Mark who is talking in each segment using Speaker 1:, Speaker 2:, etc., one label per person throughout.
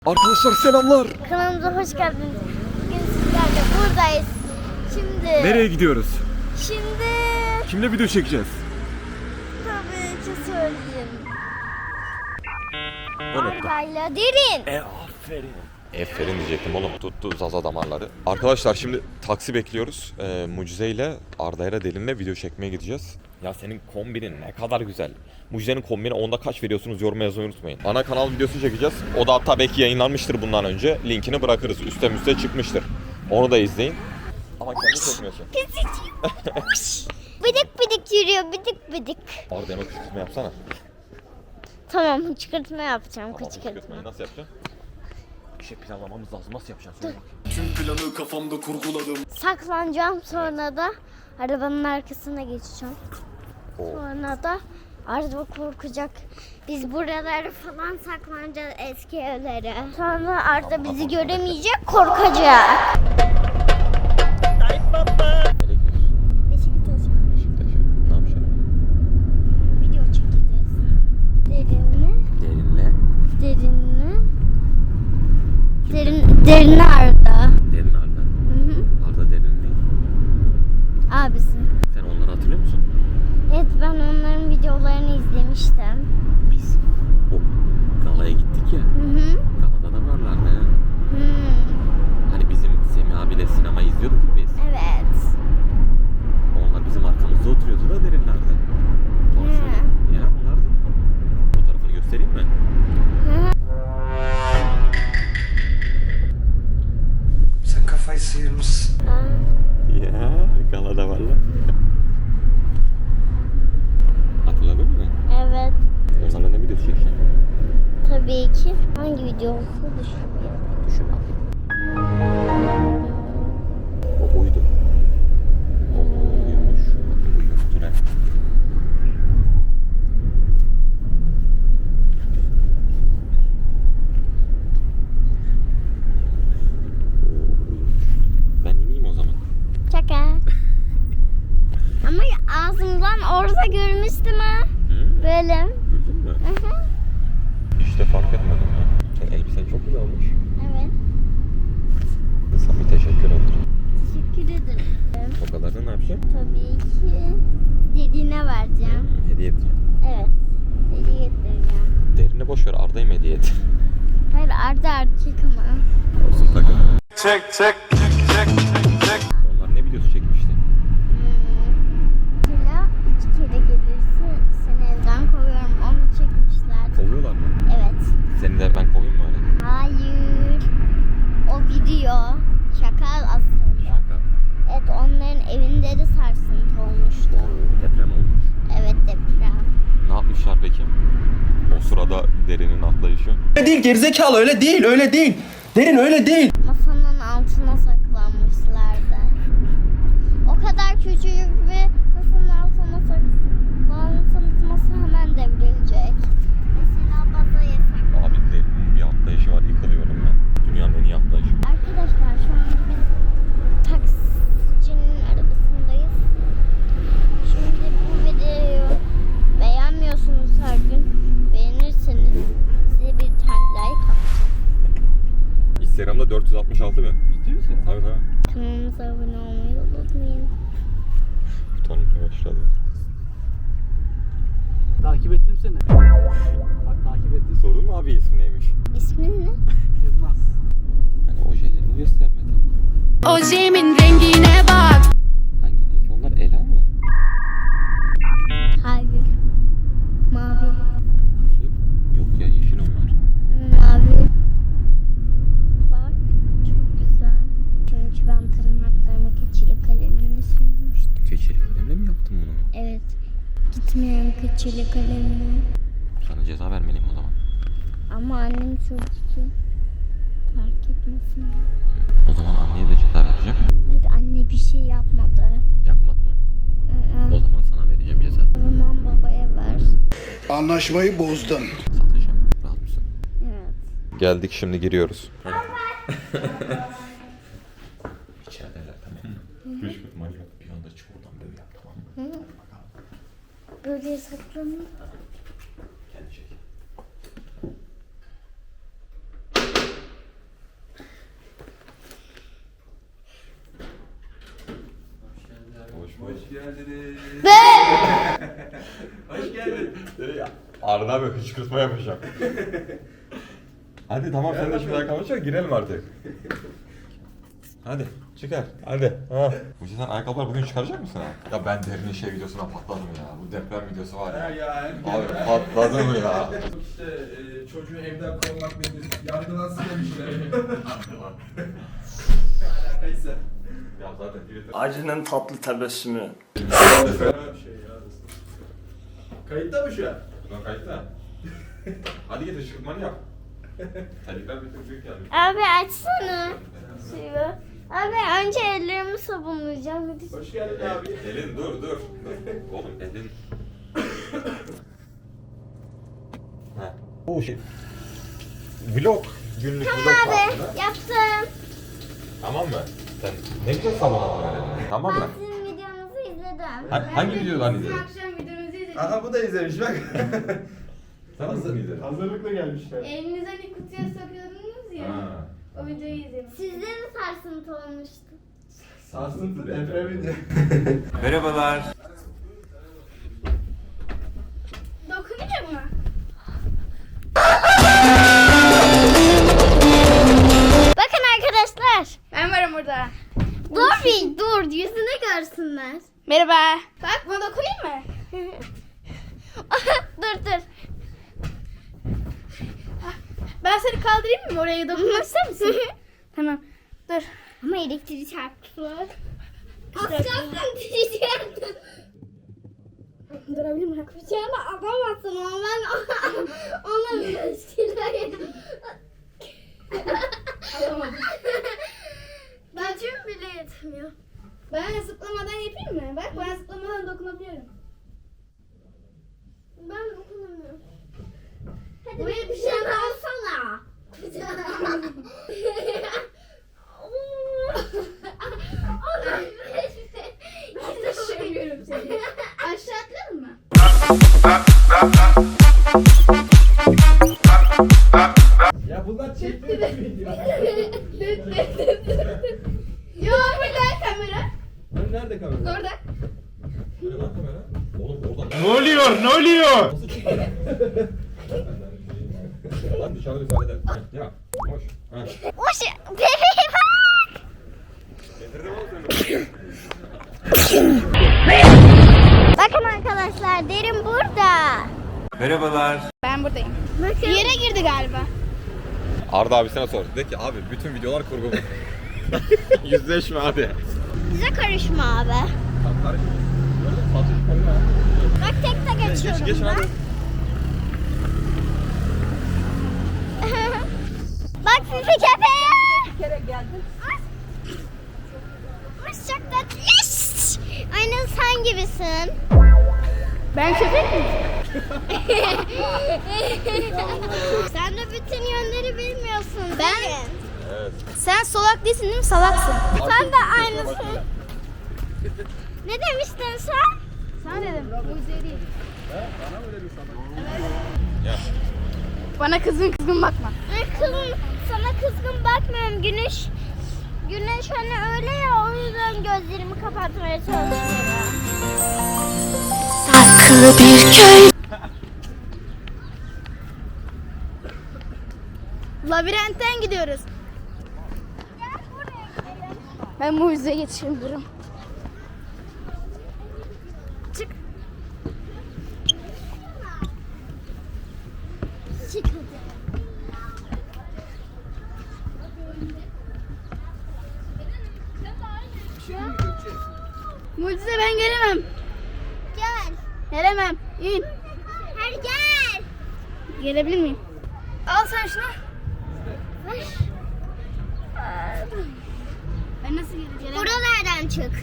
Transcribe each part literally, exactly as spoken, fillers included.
Speaker 1: Arkadaşlar selamlar.
Speaker 2: Kanalımıza hoş geldiniz. Bugün sizlerle buradayız. Şimdi...
Speaker 1: Nereye gidiyoruz?
Speaker 2: Şimdi...
Speaker 1: Kimle video çekeceğiz?
Speaker 2: Tabii ki söyleyeyim.
Speaker 1: Unuttum.
Speaker 2: Arda'yla Derin.
Speaker 1: E aferin. Aferin diyecektim oğlum. Tuttu zaza damarları. Arkadaşlar şimdi taksi bekliyoruz. Ee, Mucize ile Arda'yla Derin'le video çekmeye gideceğiz. Ya senin kombinin ne kadar güzel. Mucize'nin kombini onda kaç veriyorsunuz yoruma yazmayı unutmayın. Ana kanal videosu çekeceğiz. O da hatta belki yayınlanmıştır bundan önce. Linkini bırakırız. Üste müste çıkmıştır. Onu da izleyin. Ama kendi çekmiyorsun.
Speaker 2: Bidik bidik yürüyor, bidik bidik.
Speaker 1: Arda'ya kışkırtma yapsana.
Speaker 2: Tamam, kışkırtma yapacağım,
Speaker 1: Ama bu
Speaker 2: kışkırtma.
Speaker 1: kışkırtmayı nasıl yapacaksın? Bir şey planlamamız lazım. Nasıl yapacaksın? Söyle bakayım.
Speaker 3: Tüm planı kafamda kurguladım.
Speaker 2: Saklanacağım, sonra da arabanın arkasına geçeceğim.
Speaker 1: Oo.
Speaker 2: Sonra da Arda korkacak. Biz buralara falan saklanacağız, eski evlere. Sonra Arda bizi göremeyecek, korkacak.
Speaker 1: Nereye gidiyorsun?
Speaker 2: Beşiktaş'a
Speaker 1: Beşiktaş'a. Ne yapacaksın?
Speaker 2: video çekeceğiz. Derinle,
Speaker 1: Derinle.
Speaker 2: derinle, derin, derinle Arda.
Speaker 1: Derin Arda.
Speaker 2: Hı hı.
Speaker 1: Arda Derin ne?
Speaker 2: Abisi.
Speaker 1: Sen onları hatırlıyor musun?
Speaker 2: Evet, ben onların videolarını izlemiştim.
Speaker 1: Biz o galaya gittik ya.
Speaker 2: Hı hı.
Speaker 1: Galada da varlardı ya.
Speaker 2: Hı.
Speaker 1: Hani bizim Semih abiyle sinema izliyorduk ya biz.
Speaker 2: Evet.
Speaker 1: Onlar bizim arkamızda oturuyordu da Derinler'de.
Speaker 2: Hı.
Speaker 1: Ya onlardı. Fotoğrafını göstereyim mi?
Speaker 2: Hı.
Speaker 3: Sen kafayı sıyırmışsın.
Speaker 1: Ya galada varlar. Hatırladın mı?
Speaker 2: Evet.
Speaker 1: Onlarla ne videosu çekeceksin?
Speaker 2: Tabii ki. Hangi video olsa düşünüyorum.
Speaker 1: Düşün bakayım. O oydu. O oymuş. Bakın bu yürütüne. Ben ineyim o zaman.
Speaker 2: Şaka. Ama ağzımdan orada görmüştüm ha.
Speaker 1: Hı?
Speaker 2: Böyle.
Speaker 1: Güldün mü?
Speaker 2: Hı hı.
Speaker 1: İşte fark etmedim ya. Senin elbisen çok güzel olmuş.
Speaker 2: Evet.
Speaker 1: İnsan bir teşekkür eder.
Speaker 2: Teşekkür ederim.
Speaker 1: O kadar da ne yapacaksın?
Speaker 2: Tabii ki dediğine vereceğim.
Speaker 1: Hediye edeceğim.
Speaker 2: Evet. Hediye getireceğim.
Speaker 1: Derine boş ver, Arda'yı mı hediye et?
Speaker 2: Hayır, Arda erkek ama.
Speaker 1: Olsun takım.
Speaker 3: Çek çek çek çek çek.
Speaker 1: Onlar ne videosu çekmişti?
Speaker 2: Mesela üç kere gelirse seni evden kovuyorum. Onu çekmişler.
Speaker 1: Kovuyorlar mı?
Speaker 2: Evet.
Speaker 1: Seni de ben kovayım mı öyle?
Speaker 2: Hayır. O video. Şaka aslında.
Speaker 1: Şaka.
Speaker 2: Evet, onların evinde de sarsıntı olmuştu.
Speaker 1: Deprem olmuş.
Speaker 2: Evet, deprem.
Speaker 1: Ne yapmışlar peki? O sırada Derin'in atlayışı.
Speaker 3: Öyle değil gerizekalı öyle değil öyle değil. Derin öyle değil.
Speaker 2: Masanın altına saklanmışlardı. O kadar küçücük bir masanın altına saklanırsanız masa hemen devrilecek. Mesela baza yasak.
Speaker 1: Abi Derin'in bir atlayışı var, yıkılıyorum ben. Dünyanın en iyi atlayışı.
Speaker 2: Arkadaşlar şu an biz taksicinin arabasındayız. Şimdi bu videoyu beğenmiyorsunuz her gün. Beğenirseniz size bir tane like atacağım.
Speaker 1: Instagram'da dört yüz altmış altı bin. Ciddi misin? Tabii tabii.
Speaker 2: Kanalımıza abone olmayı unutmayın.
Speaker 1: Butonuna başladı.
Speaker 4: Takip ettim seni. Bak takip ettim.
Speaker 1: Sordun mu abi ismi neymiş?
Speaker 2: İsmin ne?
Speaker 4: Yılmaz.
Speaker 1: Hani ojelerini göstermedi.
Speaker 5: Ojemin rengine bak.
Speaker 1: Hangi renk onlar? Ela mı?
Speaker 2: Hayır. Mavi.
Speaker 1: Bakayım. Yok ya, yeşil onlar.
Speaker 2: Mavi. Bak. Çok güzel. Çünkü ben tırnaklarıma keçeli kalemini sürmüştüm.
Speaker 1: Keçeli kalemle mi yaptın bunu?
Speaker 2: Evet. Gitmeyen keçeli kalemini.
Speaker 1: Sana ceza vermeliyim o zaman.
Speaker 2: Ama annem sürdü ki fark etmesin.
Speaker 1: O zaman anneye de ceza vereceğim.
Speaker 2: Hayır, anne bir şey yapmadı.
Speaker 1: Yapmadı mı?
Speaker 2: Hı
Speaker 1: O
Speaker 2: hı.
Speaker 1: zaman sana vereceğim ceza.
Speaker 2: O zaman babaya ver.
Speaker 3: Anlaşmayı bozdun.
Speaker 1: Satacağım. Rahat mısın?
Speaker 2: Evet.
Speaker 1: Geldik, şimdi giriyoruz. İçerideler, tamam mı? Hiç ihtimal yok. Bir anda çık oradan böyle yap, tamam mı?
Speaker 2: Hı. Böyle saklanayım.
Speaker 1: Kendi çek.
Speaker 3: Hoş geldiniz.
Speaker 2: Be!
Speaker 3: Hoş geldin.
Speaker 1: Arda abi hıçkırtma yapacağım. Hadi tamam sen de şimdi ayakkabını çıkar girelim artık. Hadi çıkar hadi. Ha. Mucize sen ayakkabıları bugün çıkaracak mısın ha? Ya ben derinin şey videosuna patladım ya. Bu deprem videosu var ya.
Speaker 3: Ya
Speaker 1: Abi patladım ya.
Speaker 3: İşte e, çocuğu evden kovmak nedir? Yargılansın demişler. Alakaysa.
Speaker 1: Ya zaten Twitter...
Speaker 6: Acının tatlı tebessümü.
Speaker 3: Fena bir şey ya. Kayıtta mı şu an?
Speaker 1: Ulan kayıtta. Hadi git ışıkmanı yap. Terlikler bir tık büyük geldi.
Speaker 2: Abi açsana. Suyu. Abi önce ellerimi sabunlayacağım. Hadi.
Speaker 3: Hoş geldin abi.
Speaker 1: Elin dur dur. Oğlum elin. Ha. Oh şey. Vlog. Günlük
Speaker 2: Tamam
Speaker 1: vlog
Speaker 2: abi
Speaker 1: tarzında.
Speaker 2: yaptım.
Speaker 1: Tamam mı? Sen ne güzel sabunladın öyle. Tamam mı?
Speaker 2: Ben sizin videonuzu izledim.
Speaker 1: Ha, hangi videodan izledin?
Speaker 7: Akşam videomuzu izledik.
Speaker 3: Aha bu da izlemiş bak.
Speaker 1: Sen nasıl izledin?
Speaker 3: Hazırlıkla gelmişler.
Speaker 7: Elinize hani kutuya sokuyordunuz ya.
Speaker 1: Ha.
Speaker 7: O videoyu izledim.
Speaker 2: Sizde de sarsıntı olmuştu.
Speaker 3: Sarsıntı depreminde.
Speaker 6: Merhabalar.
Speaker 7: Dokunacak mı?
Speaker 2: Bakın arkadaşlar.
Speaker 7: Ben varım burada.
Speaker 2: Dur bir dur yüzüne görsünler.
Speaker 7: Merhaba. Bak buna dokunayım mı?
Speaker 2: dur dur.
Speaker 7: Ben seni kaldırayım mı? Oraya dokunmak ister misin? Tamam. Dur.
Speaker 2: Ama elektriği çarptı. Az kalsın diyeceğim.
Speaker 7: Durabilir miyim?
Speaker 2: Bıçağını atamazsın ama ben ona bir şeyler
Speaker 7: Alamadım.
Speaker 2: Gücüm bile yetmiyor.
Speaker 7: Ben zıplamadan yapayım mı? Bak ben zıplamadan dokunabiliyorum.
Speaker 2: Ben dokunamıyorum. Hadi
Speaker 7: Buraya
Speaker 2: bir şey alsana.
Speaker 7: Düşünmüyorum seni. Aşağı atlayalım mı?
Speaker 3: Ya bunlar çekmiyor video.
Speaker 7: Yo burada kamera.
Speaker 3: Lan nerede kamera?
Speaker 7: Orada.
Speaker 1: Hani lan kamera? Oğlum oradan.
Speaker 3: Ne oluyor? Ne oluyor?
Speaker 1: Nasıl çıktı? Lan dışarıda bir halleder. Ya hoş. Ha.
Speaker 2: Hoş. Bebeğe bak.
Speaker 1: Getirdim oğlum seni.
Speaker 2: Bakın arkadaşlar derin burada.
Speaker 6: Merhabalar.
Speaker 7: Ben buradayım.
Speaker 2: Bakın.
Speaker 7: Bir yere girdi galiba.
Speaker 1: Arda abisine sor. De ki abi bütün videolar kurgu mu? Yüzleşme abi.
Speaker 2: Bize karışma abi. Bak tek tek
Speaker 1: Geç
Speaker 2: geçiyorum
Speaker 1: geç
Speaker 2: ben.
Speaker 1: hadi.
Speaker 2: Bak Fifi köpeğe. Bir kere geldin. Çok tatlı. Yes! Aynen sen gibisin.
Speaker 7: Ben köpek miyim?
Speaker 2: Sen de bütün yönleri bilmiyorsun. Ben.
Speaker 1: Evet.
Speaker 7: Sen solak değilsin değil mi? Salaksın.
Speaker 2: Sen de aynısın. Ne demiştin sen?
Speaker 7: Sana dedim. Mucize değil.
Speaker 1: Ya.
Speaker 7: Bana kızgın kızgın bakma.
Speaker 2: Ay kızım sana kızgın bakmıyorum. Güneş Güneş hani öyle ya o yüzden gözlerimi kapatmaya çalışıyorum.
Speaker 5: Saklı bir köy.
Speaker 7: Labirentten gidiyoruz. Ben mucizeye geçiyorum. Çık.
Speaker 2: Çık hadi.
Speaker 7: Mucize ben gelemem.
Speaker 2: Gel.
Speaker 7: Gelemem. İn.
Speaker 2: Hadi gel.
Speaker 7: Gelebilir miyim? Al sen şunu.
Speaker 2: Ver.
Speaker 7: Ben nasıl geleceğim?
Speaker 2: Buralardan çık.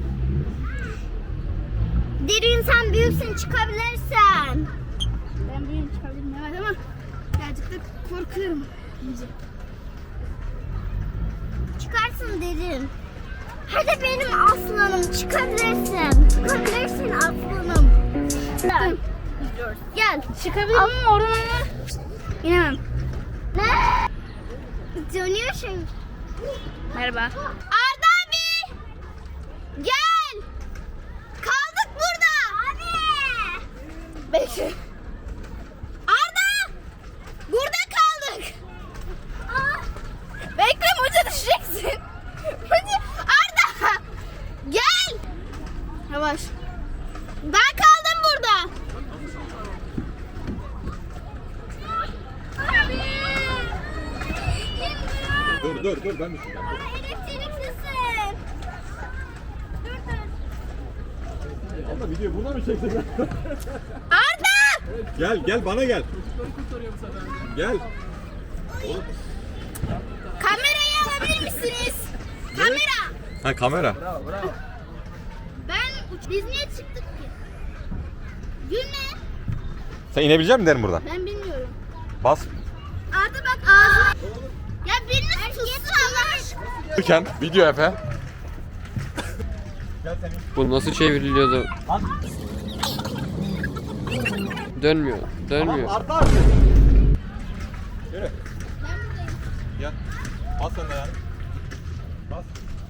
Speaker 2: Derin sen büyüksün çıkabilirsen.
Speaker 7: Ben büyüğüm çıkabilirim evet ama birazcık da korkuyorum.
Speaker 2: Çıkarsın derin. Hadi benim aslanım çıkabilirsin. Çıkabilirsin aslanım. Gel. Gel.
Speaker 7: Çıkabilirim ama oradan ama inemem.
Speaker 2: Ne? Dönüyorsun.
Speaker 7: Merhaba.
Speaker 2: Arda abi. Gel.
Speaker 7: Bekle. Arda! Burada kaldık. Aa. Bekle Muca düşeceksin. Muca. Arda! Gel. Yavaş. Ben kaldım burada.
Speaker 1: Dur dur dur ben düşeceğim.
Speaker 2: Elektriklisin. Dur dur.
Speaker 3: Ama videoyu buna mı çektin?
Speaker 7: Arda!
Speaker 1: Gel gel bana gel. Gel.
Speaker 7: Kamerayı alabilir misiniz? Kamera.
Speaker 1: Ha kamera.
Speaker 7: Ben uç... Biz niye çıktık ki? Gülme.
Speaker 1: Sen inebilecek misin derim buradan?
Speaker 7: Ben bilmiyorum.
Speaker 1: Bas.
Speaker 7: Arda bak ağzına. Ya birini tutsun Allah aşkına.
Speaker 1: Dururken video Efe.
Speaker 8: Bu nasıl çevriliyordu? Dönmüyor, dönmüyor.
Speaker 1: Arda abi. Yürü. Gel. Bas sen de yani. Bas.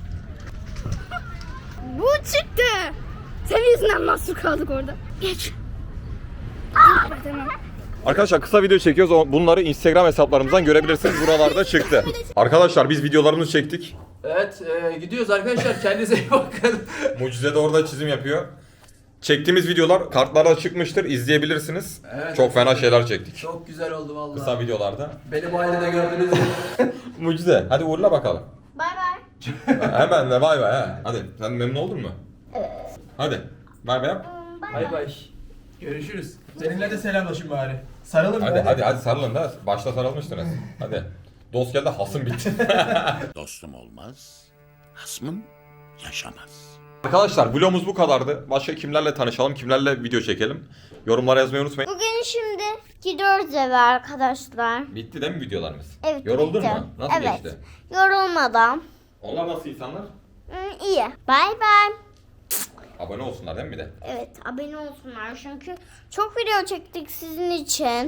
Speaker 7: Bu çıktı. Senin yüzünden mahsur kaldık orada. Geç. Tamam.
Speaker 1: Arkadaşlar kısa video çekiyoruz. O- Bunları Instagram hesaplarımızdan görebilirsiniz. Buralarda çıktı. Arkadaşlar biz videolarımızı çektik.
Speaker 3: Evet e, gidiyoruz arkadaşlar. Kendinize iyi bakın.
Speaker 1: Mucize de orada çizim yapıyor. Çektiğimiz videolar kartlarda çıkmıştır. İzleyebilirsiniz.
Speaker 3: Evet.
Speaker 1: Çok fena şeyler çektik.
Speaker 3: Çok güzel oldu vallahi.
Speaker 1: Kısa videolarda.
Speaker 3: Beni bu halde de gördünüz.
Speaker 1: Mucize hadi uğurla bakalım.
Speaker 2: Bay bay.
Speaker 1: Hemen de bay bay ha. Hadi sen memnun oldun mu? Evet. Hadi bay bay yap.
Speaker 3: Bay bay. Görüşürüz. Seninle de selamlaşın bari. Sarılın
Speaker 1: Hadi
Speaker 3: bari.
Speaker 1: hadi hadi sarılın da. Başta sarılmıştınız. Hadi. Dost geldi hasım bitti.
Speaker 9: Dostum olmaz, hasmım yaşamaz.
Speaker 1: Arkadaşlar vlogumuz bu kadardı. Başka kimlerle tanışalım, kimlerle video çekelim. Yorumlara yazmayı unutmayın.
Speaker 2: Bugün şimdi gidiyoruz eve arkadaşlar.
Speaker 1: Bitti değil mi videolarımız?
Speaker 2: Evet.
Speaker 1: Yoruldun
Speaker 2: bitti.
Speaker 1: mu? Nasıl
Speaker 2: evet.
Speaker 1: geçti?
Speaker 2: Yorulmadan.
Speaker 1: Onlar nasıl insanlar?
Speaker 2: Hı, iyi. Bay bay.
Speaker 1: Abone olsunlar değil mi bir de?
Speaker 2: Evet abone olsunlar çünkü çok video çektik sizin için.